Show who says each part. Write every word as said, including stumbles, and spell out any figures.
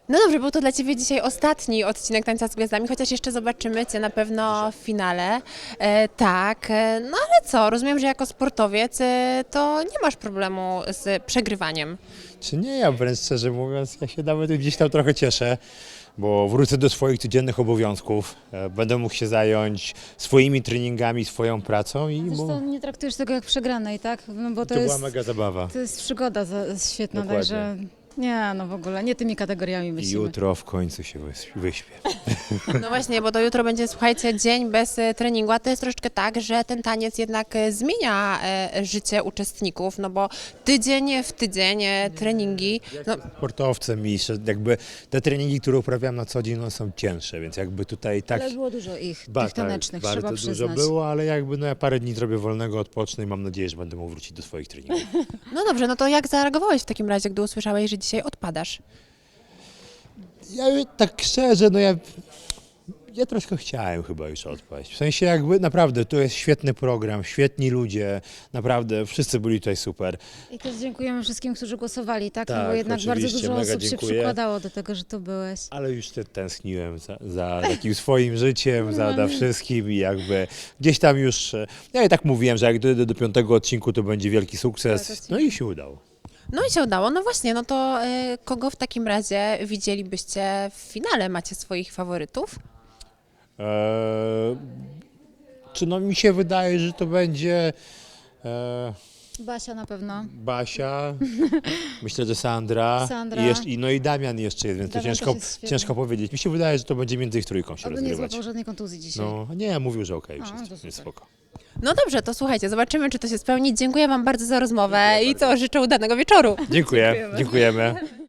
Speaker 1: No dobrze, był to dla Ciebie dzisiaj ostatni odcinek Tańca z Gwiazdami, chociaż jeszcze zobaczymy Cię na pewno w finale. E, tak, e, no ale co, rozumiem, że jako sportowiec e, to nie masz problemu z przegrywaniem.
Speaker 2: Czy nie, ja wręcz szczerze mówiąc, ja się nawet gdzieś tam trochę cieszę, bo wrócę do swoich codziennych obowiązków, e, będę mógł się zająć swoimi treningami, swoją pracą i mu,
Speaker 3: Zresztą nie traktujesz tego jak przegranej, tak? No bo to,
Speaker 2: to
Speaker 3: jest,
Speaker 2: była mega zabawa.
Speaker 3: to jest przygoda za, świetna,
Speaker 2: Dokładnie.
Speaker 3: także nie, no w ogóle, nie tymi kategoriami
Speaker 2: I
Speaker 3: myślimy.
Speaker 2: jutro w końcu się wys- wyśpię.
Speaker 1: No właśnie, bo to jutro będzie, słuchajcie, dzień bez e, treningu, a to jest troszeczkę tak, że ten taniec jednak e, zmienia e, życie uczestników, no bo tydzień w tydzień e, treningi, no
Speaker 2: Sportowcem i że jakby te treningi, które uprawiam na co dzień, no, są cięższe, więc jakby tutaj tak...
Speaker 3: Ale było dużo ich,
Speaker 2: Ba-
Speaker 3: tych tanecznych,
Speaker 2: tak,
Speaker 3: trzeba
Speaker 2: bardzo dużo
Speaker 3: przyznać.
Speaker 2: było, ale jakby no ja parę dni zrobię wolnego, odpocznę i mam nadzieję, że będę mógł wrócić do swoich treningów.
Speaker 1: no dobrze, no to jak zareagowałeś w takim razie, gdy usłyszałeś, że dzisiaj odpadasz?
Speaker 2: Ja tak szczerze, no ja, ja troszkę chciałem chyba już odpaść. W sensie jakby naprawdę, to jest świetny program, świetni ludzie, naprawdę wszyscy byli tutaj super.
Speaker 3: I też dziękujemy wszystkim, którzy głosowali, tak? no
Speaker 2: Tak,
Speaker 3: bo jednak bardzo
Speaker 2: oczywiście,
Speaker 3: dużo
Speaker 2: mega
Speaker 3: osób się
Speaker 2: dziękuję.
Speaker 3: przykładało do tego, że tu byłeś.
Speaker 2: Ale już te tęskniłem za, za takim swoim życiem, za, za wszystkim i jakby gdzieś tam już, e, ja i tak mówiłem, że jak dojdę do piątego odcinku, to będzie wielki
Speaker 3: Tak,
Speaker 2: sukces,
Speaker 3: odcinek.
Speaker 2: no i się udało.
Speaker 1: No i się udało, no właśnie, no to e, kogo w takim razie widzielibyście w finale? Macie swoich faworytów?
Speaker 2: Eee, czy no mi się wydaje, że to będzie e,
Speaker 3: Basia na pewno.
Speaker 2: Basia, myślę, że Sandra,
Speaker 3: Sandra.
Speaker 2: I, jeszcze, i no i Damian jeszcze jest, więc to
Speaker 3: Damian
Speaker 2: ciężko,
Speaker 3: też jest świetny.
Speaker 2: ciężko powiedzieć. Mi się wydaje, że to będzie między ich trójką się
Speaker 3: Oby nie
Speaker 2: rozgrywać.
Speaker 3: złapał żadnej kontuzji dzisiaj.
Speaker 2: No nie, mówił, że okej,
Speaker 3: A,
Speaker 2: już
Speaker 3: to
Speaker 2: jest,
Speaker 3: super.
Speaker 2: jest spoko.
Speaker 1: No dobrze, to słuchajcie, zobaczymy, czy to się spełni. Dziękuję Wam bardzo za rozmowę i co, życzę udanego wieczoru.
Speaker 2: Dziękuję, dziękujemy.